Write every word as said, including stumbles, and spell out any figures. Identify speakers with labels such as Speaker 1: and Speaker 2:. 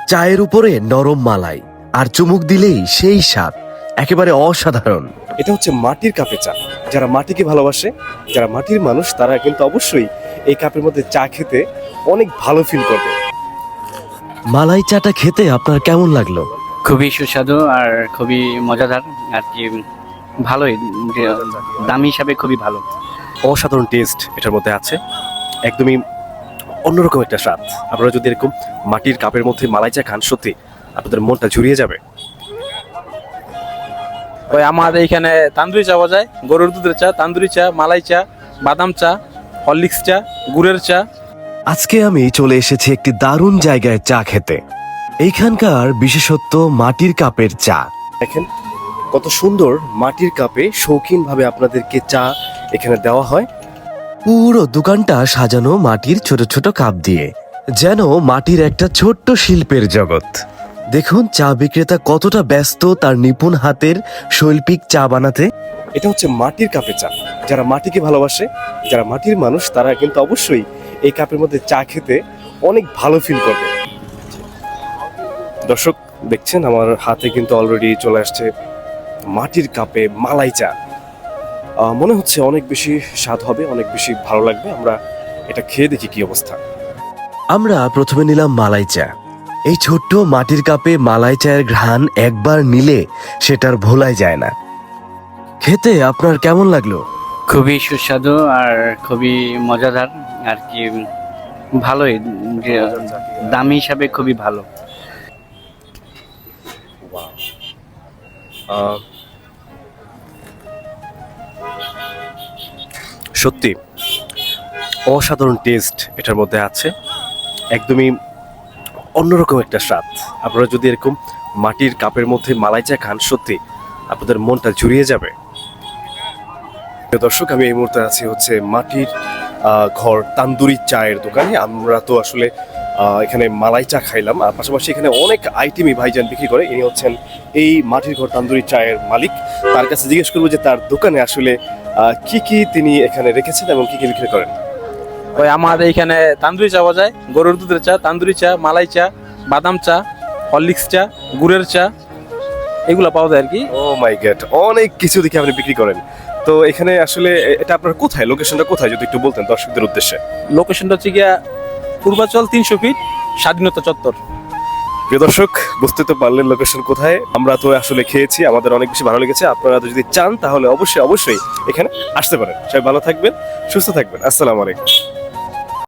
Speaker 1: চায়ের উপরে নরম মালাই আর চুমুক দিলেই সেই স্বাদ একেবারে অসাধারণ।
Speaker 2: এটা হচ্ছে মাটির কাপে চা। যারা মাটিকে ভালোবাসে, যারা মাটির মানুষ, তারা কিন্তু অবশ্যই এই কাপের মধ্যে চা খেতে অনেক ভালো ফিল করবে।
Speaker 1: মালাই চাটা খেতে আপনার কেমন লাগলো?
Speaker 3: খুবই সুস্বাদু আর খুবই মজাদার আর কি, ভালোই, যে দাম হিসাবে খুবই ভালো।
Speaker 2: অসাধারণ টেস্ট এটার মধ্যে আছে, একদমই অন্যরকম একটা স্বাদ। আপনারা যদি এরকম মাটির কাপের মধ্যে মালাই চা খান, সত্যি আপনাদের মনটা জুড়িয়ে যাবে।
Speaker 4: ওই আমাদের এখানে তান্দুরি চা পাওয়া যায়, গরুর দুধের চা, তান্দুরি চা, মালাই চা, বাদাম চা, হরলিক্স চা, গুড়ের চা।
Speaker 1: আজকে আমি চলে এসেছি একটি দারুণ জায়গায় চা খেতে। এইখানকার বিশেষত্ব মাটির কাপের চা।
Speaker 2: দেখেন কত সুন্দর মাটির কাপে শৌখিনভাবে আপনাদেরকে চা এখানে দেওয়া হয়।
Speaker 1: পুরো দোকানটা সাজানো মাটির ছোট ছোট কাপ দিয়ে, যেন মাটির একটা ছোট্ট শিল্পের জগৎ। দেখুন চা বিক্রেতা কতটা ব্যস্ত তার নিপুণ হাতের শৈল্পিক চা বানাতে।
Speaker 2: এটা হচ্ছে মাটির কাপে চা। যারা মাটিকে ভালোবাসে, যারা মাটির মানুষ, তারা কিন্তু অবশ্যই এই কাপের মধ্যে চা খেতে অনেক ভালো ফিল করবে। দর্শক দেখছেন আমার হাতে কিন্তু অলরেডি চলে আসছে মাটির কাপে মালাই চা। আহ, মনে হচ্ছে অনেক বেশি স্বাদ হবে, অনেক বেশি ভালো লাগবে। আমরা এটা খেয়ে দেখি কি অবস্থা।
Speaker 1: আমরা প্রথমে নিলাম মালাই চা। এই ছোট্ট মাটির কাপে মালাই চায়ের ঘ্রাণ একবার নিলে সেটার ভোলাই যায় না। খেতে আপনার কেমন লাগলো?
Speaker 3: খুবই সুস্বাদু আর খুবই মজাদার আর কি, ভালোই, যে দাম হিসাবে খুবই ভালো।
Speaker 2: আহ, সত্যি অসাধারণ টেস্ট এটার মধ্যে আছে, একদমই অন্যরকম একটা স্বাদ। আপনারা যদি এরকম মাটির কাপের মধ্যে মালাই চা খান, সত্যি আপনাদের মনটা জুড়িয়ে যাবে। প্রিয় দর্শক, আমি এই মুহূর্তে আছি হচ্ছে মাটির আহ, ঘর তান্দুরি চায়ের দোকানে। আমরা তো আসলে আহ, এখানে মালাই চা খাইলাম, আর পাশাপাশি এখানে অনেক আইটেমই ভাইজান বিক্রি করে। ইনি হচ্ছেন এই মাটির ঘর তান্দুরি চায়ের মালিক। তার কাছে জিজ্ঞেস করবো যে তার দোকানে আসলে আহ, কি কি তিনি এখানে রেখেছেন এবং কি কি বিক্রি করেন।
Speaker 4: ওই আমাদের এখানে তান্দুরি চা পাওয়া যায়, গরুর দুধের চা, তান্দুরি চা, মালাই চা, বাদাম চা, হরলিক্স চা, গুড়ের চা, এগুলো পাওয়া যায় আর কি।
Speaker 2: ও মাই গড, অনেক কিছু দেখে আপনি বিক্রি করেন। তো এখানে আসলে এটা আপনার কোথায়, লোকেশনটা কোথায় যদি একটু বলতেন দর্শকদের উদ্দেশ্যে।
Speaker 4: লোকেশনটা হচ্ছে গিয়া পূর্বাচল তিনশো ফিট, স্বাধীনতা চত্বর।
Speaker 2: প্রিয় দর্শক, বুঝতে তো পারলেন লোকেশন কোথায়। আমরা তো আসলে খেয়েছি, আমাদের অনেক বেশি ভালো লেগেছে। আপনারা যদি চান তাহলে অবশ্যই অবশ্যই এখানে আসতে পারেন। সবাই ভালো থাকবেন, সুস্থ থাকবেন। আসসালামু আলাইকুম।